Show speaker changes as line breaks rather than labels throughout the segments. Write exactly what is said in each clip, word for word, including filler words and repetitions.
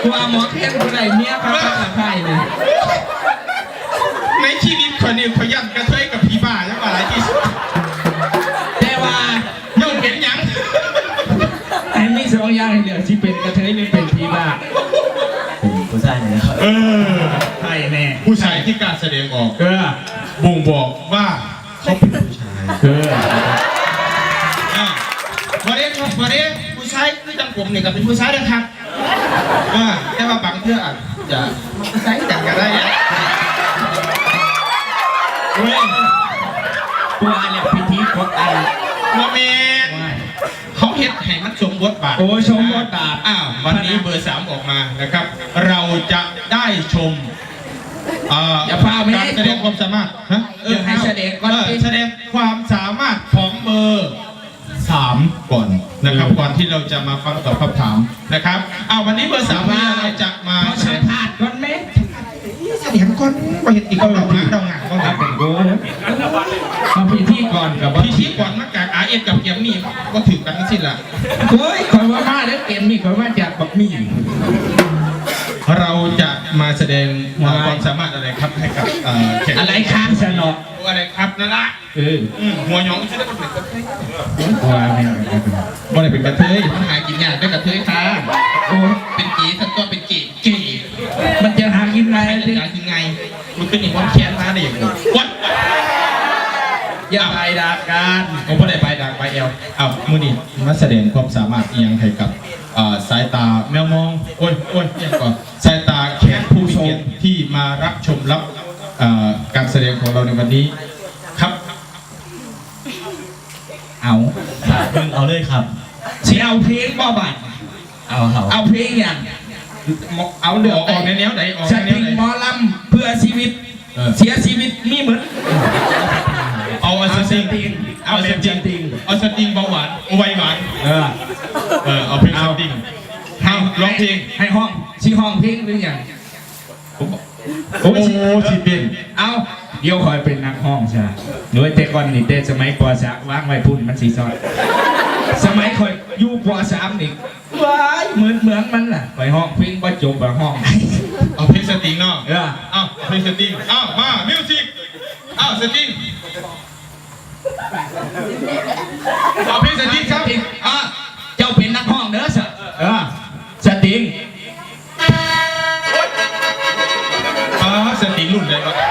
ว่าหมอเทียนคนไหนเมียพระพระไทยเลย
ในชีวิตคนนี้เขายันกระเทยกับผีบ้าแล้วมาหลายที่สุด
แต่ว่า
โยกเห็นยัง
ไอ้มีสองอย่างเดียวที่เป็นกระเทยหรือเป็นผีบ้า
เป็นผู้ชายเนี่ยครับ
เออ
ใช่แน่
ผู้ชายที่การแสดงออก
เออ
บ่งบอกว่าเขาเป็นผู้ชาย
เออ
วันนี้ครับวันนี้ผู้ชายคือจังผมเนี่ยก็เป็นผู้ชายนะครับว่าแค่ว่าบางเพื่ออาจจะผู้ชายจัดกันได้เนี่ยเฮ้ย
ตัวอะไรพิธีกดอะไร
โมเมนเขาเฮ็ดให้มันสมบทบาท
โอ้ชมบทบาท
อ้าววันนี้เบอร์สามออกมานะครับเราจะได้ชม
อย่าพาไม่
การแสดงความสามารถฮะ
เออให้แสดงก่อน
แสดงความสามารถของเบอร์สามก่อนนะครับก่อนที่เราจะมาฟังตอบคำถามนะครับอ้าววันนี้เบอร์สามเราจะมา
สัมภาษณ์ก่อนไหม
แสดงก่อนว่าเห็นอีกคนเราหาเราหงายก็เป็นโก้
มาพิธีก่อนกับ
พิธีก่อนมาจากอาเอ็นกับเกมมี่ก็ถือกันสิ้นละ
เฮ้ยคอยว่ามาแล้วเกมมี่คอยว่าจากบักมี่
เราจะมาแสดงความสามารถอะไรครับให้กับ
แขกอะไรครับสนอ
อะไรครับนั่นละ
เออ
หัวหยองชื่อได้เป็นกระเทย
หัวไม่
บ่ได้เป็นกระเทยมันหากินยากได้กระเทยค่ะ
โอ้
เป็นกีทั้งตัวเป็นกีกี
มันจะหากินไง
หากินไงมันขึ้นอีกวันแค้นมาได้อย่างไรวัด
อย่าไปด่ากัน
ผมไม่ได้ไปด่าไปเอลอ้าวมือนี่มาแสดงความสามารถเอียงให้กับสายตาแมวมองโอ้ยโอ้ยยังก่อนสายตาแขกผู้ชมที่มารับชมรับการแสดงของเราในวันนี้ครับ
เอา
เพิ่งเอาเลยครับ
สิเอาเพลงบ่บัด
เอาเอา
เอาเพลงอย่าง
เอาเดือดออกในแนวไหนออก
ในแนวไหนหมอลำเพื่อชีวิตเสียชีวิตมีเหมือน
เอาเอาสติงเอาสติงเอาสติงเบาหวานไวหวาน
เออ
เออเอาเพลงสติงให้ร้องเพลง
ให้ห้องชี้ห้องเพลงหรือยัง
โอ้โหสิเป็น
เอาเดี๋ยวคอยเป็นนักห้องใช่หน่วยเตะก่อนนี่เตะสมัยปอสามวางไว้พุ่นมันสีซอดสมัยคอยอยู่ปอสามนี่ว้ายเหมือนเหมือนมันล่ะไปห้องเพลงว่าจบแบบห้อง
เอาเพลงสติงเนาะ
เออ
เอาเพลงสติงเอามามิวสิกเอาสติงเอาเพลงสติงครับ
อ่ะเจ้าเป็นนักห้องเด้อสเออสติง
อ่าสติงรุ่นใดวะ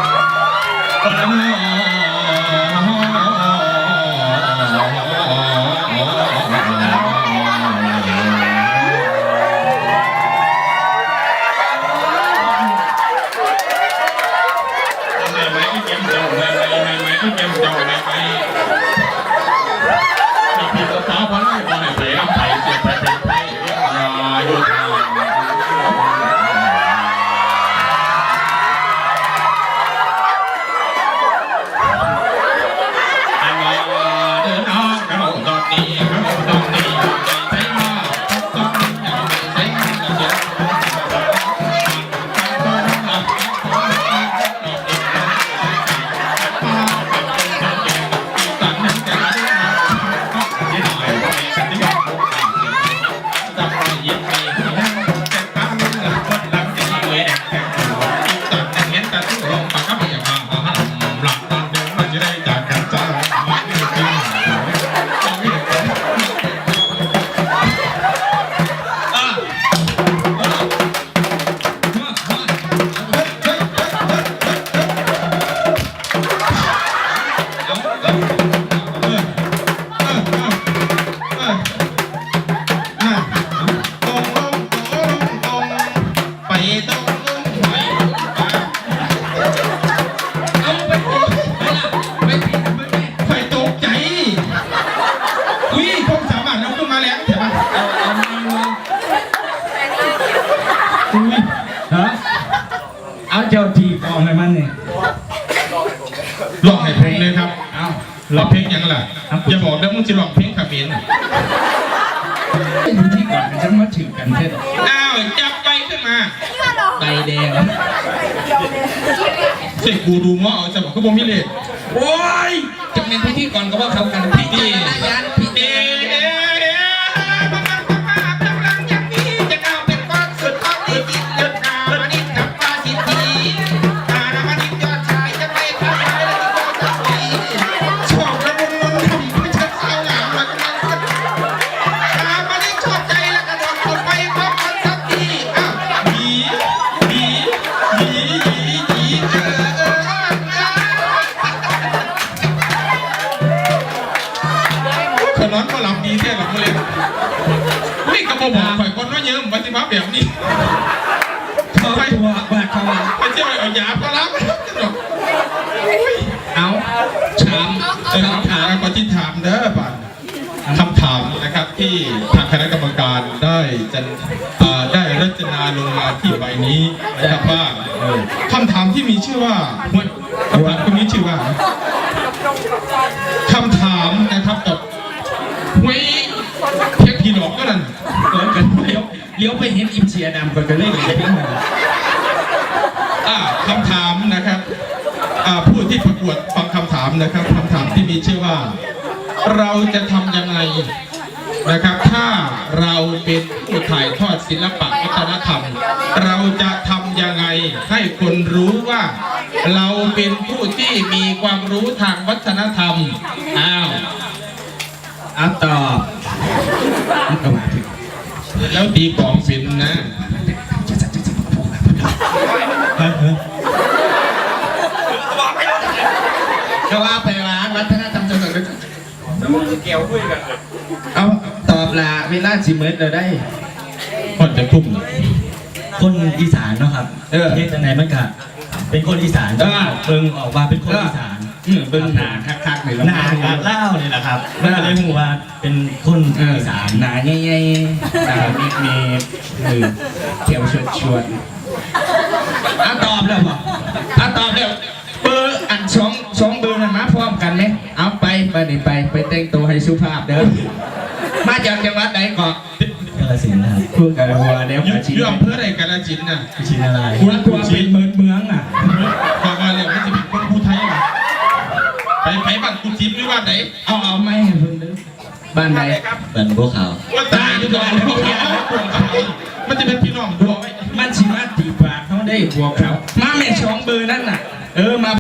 เอาเจ้าทีกองให้มันนี่
ลองให้เพลงเลยครับเอาลองเพลงยังล่ะอย่าบอกนะมึงจะลองเพลงขับเมียน
อยู่ที่ก่อนฉันมาถึงกันเท่
อ้าวจับไปขึ้นมา
ใบแดง
เสกกูดูง้อเอาจะบอกเขาบอกมิเล
โอ้ยจะเป็นพิธีก่อนก็ว่าเขากันพิธียันพิธี
กำลังอย่างนี้จะก้าวเป็นก้อนสุดก็บอกข่อยคนน้อยเยิ้มปฏิบัติแบบนี้
เขาตัวว่าเขาว่า
ไปเที่ยวเอายาพารา
เอาถาม
เออคำถามปฏิถามเด้อป่ะคำถามนะครับที่ทางคณะกรรมการได้จะอ่าได้รจนาลงมาที่ใบนี้นะครับว่าเออคำถามที่มีชื่อว่าคำถามตรงนี้ชื่อว่าคำถามนะครับตบหวยเพียงผีหลอกก็นั่น
เกิดกันเลี้ยวเลี้ยวไปเห็นอิมเชียดำก่อนจะเล่นอะไรพี่มัน
อ่าคำถามนะครับอ่าผู้ที่ประกวดฟังคำถามนะครับคำถามที่มีชื่อว่า เราจะทำยังไงนะครับ ถ้าเราเป็นผู้ถ่ายทอดศิลปะวัฒนธรรม เราจะทำยังไงให้คนรู้ว่า เราเป็นผู้ที่มีความรู้ทางวัฒนธรรมอ้าว
เอาตอบมันก็มาถึง
แล้วตีกลองเป็นนะ
ก็ว่าไปว่าวัฒนธรรมจังหวัดเอาตอบละเวลาสิเมิดเราได้
คนจะทุ่ม
คนอีสานเนาะครับ
เออ
เฮ็ดจังไหนมันก็เป็นคนอีสาน
เออ
เบิ่งออกมาเป็นคนอีสาน
อืมเบิ่งหนาคักๆเลย
หนาการเล่านี่แหละครับมันก็เลยหูว่าเป็นคน
เออ
อีสาน
หนาใหญ่ๆหนาเมฆเมฆเออเที่ยวชวนชวนอ่ะตอบแล้วบ่อ่ะตอบแล้วเบอร์อันสองสองเบอร์นั้นมาพร้อมกันไหมเอาไปไปนี่ไปไปแต่งตัวให้สุภาพเด้อมาจากจังหวัดไหนเกาะ
กาฬสินธุ์นะครับ
พูดกันหัวเดี๋ยว
อยู่
มาชี้
อยู่อำเภอใดกาฬสินธุ์น่ะ
ชินอะไร
หัวตัวเป็นเมืองเมืองอ่ะ
ฟังมาแล้วมันจะเป็นคนภูไทยน่ะไปไปบ้านกุจิบหรือบ้านไหน
เอาเอาไม่ให้เพิ่งเด้อบ้านไหน
เป็นบัวขาว
ว่าตายอยู่ก่อนมันจะเป็นพี่น้องบัวไว้
มันชิมาตีปากเขาได้บวกเขามาแม่สองเบอร์นั่นน่ะ เออมา